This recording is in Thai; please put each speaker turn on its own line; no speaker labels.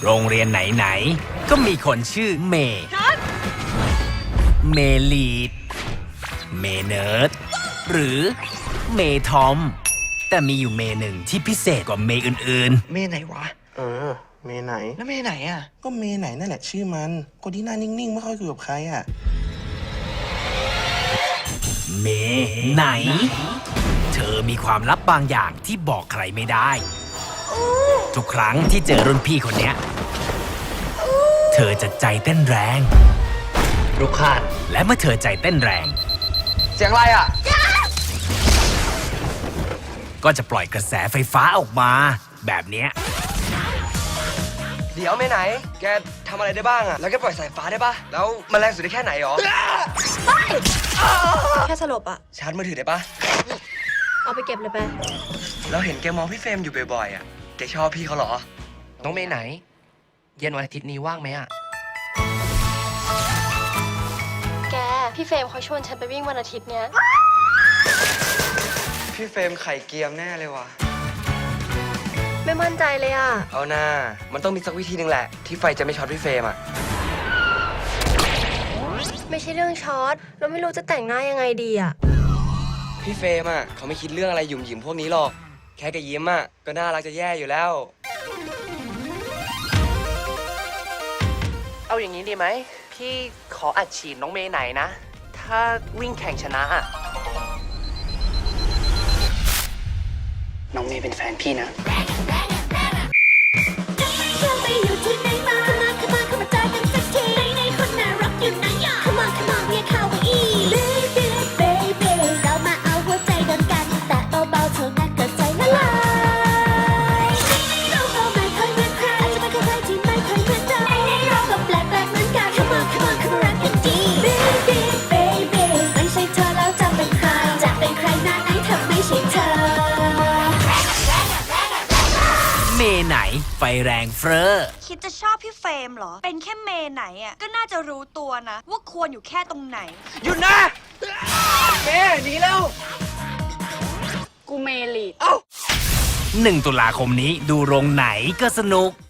โรงเรียนไหนๆก็มีคนชื่อเมย์เมลีดเมเนิร์ดหรือเมทอมแต่มีอยู่เมหนึ่งที่พิเศษกว่าเมอื่น
เมไหนวะ
เมไหน
แล้วเมไหนอ่ะ
ก็เมไหนนั่นแหละชื่อมันคนที่หน้านิ่งๆไม่ค่อยคุยกับใครอ่ะ
ๆเมไหน เธอมีความลับบางอย่างที่บอกใครไม่ได้ ทุกครั้งที่เจอรุ่นพี่คนเนี้ยเธอจะใจเต้นแรงรุกขานและเมื่อเธอใจเต้นแรง
เสียงอะไรอ่ะ
ก็จะปล่อยกระแสไฟฟ้าออกมา แบบเนี้ย
เดี๋ยวเมไหน แกทำอะไรได้บ้างอ่ะ แล้วแกปล่อยสายฟ้าได้ปะแล้วมันแรงสุดได้แค่ไหนหรอ
แค่สลบอะ
ชาร์จมือถือได้ปะ
เอาไปเก็บเลยไป
เราเห็นแกมองพี่เฟรมอยู่บ่อยๆอ่ะ แกชอบพี่เขาเหรอ
น้องเมย์ไหน เย็นวันอาทิตย์นี้ว่างไหมอะ
แก พี่เฟรมเขาชวนฉันไปวิ่งวันอาทิตย์เนี้ย
พี่เฟรมไข่เกียมแน่เลยว่ะ
ไม่มั่นใจเลยอะ
เอาหน้า มันต้องมีสักวิธีหนึ่งแหละ ที่ไฟจะไม่ช็อตพี่เฟรมอ่ะ
ไม่ใช่เรื่องช็อต เราไม่รู้จะแต่งหน้ายังไงดีอะ
พี่เฟรมอ่ะเขาไม่คิดเรื่องอะไรหยุ่มหยิมพวกนี้หรอก แค่แกยิ้มอ่ะก็น่ารักจะแย่อยู่แล้ว
เอาอย่างนี้ดีไหม พี่ขออัดฉีดน้องเมย์ไหนนะ ถ้าวิ่งแข่งชนะอะน้องเมย์เป็นแฟนพี่นะ
เธอไปอยู่ที่ไหนมาเข้ามาเจอกันสักทีไหนคนน่ารักอยู่ไหนอ่ะ Come on come on เรียกเขาว่าอี Baby baby เรามาเอาหัวใจโดนกันแต่เบาๆเท่านั้นก็ใจละลายเราก็ไม่เคยเหมือนใครอาจจะไม่เคยใครที่ไม่เคยเหมือนเราเราก็แปลกเหมือนกัน Come on come on คือรักกันดี Baby baby ไม่ใช่เธอแล้วจะเป็นใครจะเป็นใครหน้าไหนเธอไม่ใช่เธอ
เมไหนไฟแรงเฟ้อ
คิดจะชอบพี่เฟรมเหรอ เป็นแค่เมย์ไหนอ่ะ ก็น่าจะรู้ตัวนะ ว่าควรอยู่แค่ตรงไหน
หยุดนะเมหนีแล้ว
กูเมลีด
1 ตุลาคมนี้ดูโรงไหนก็สนุก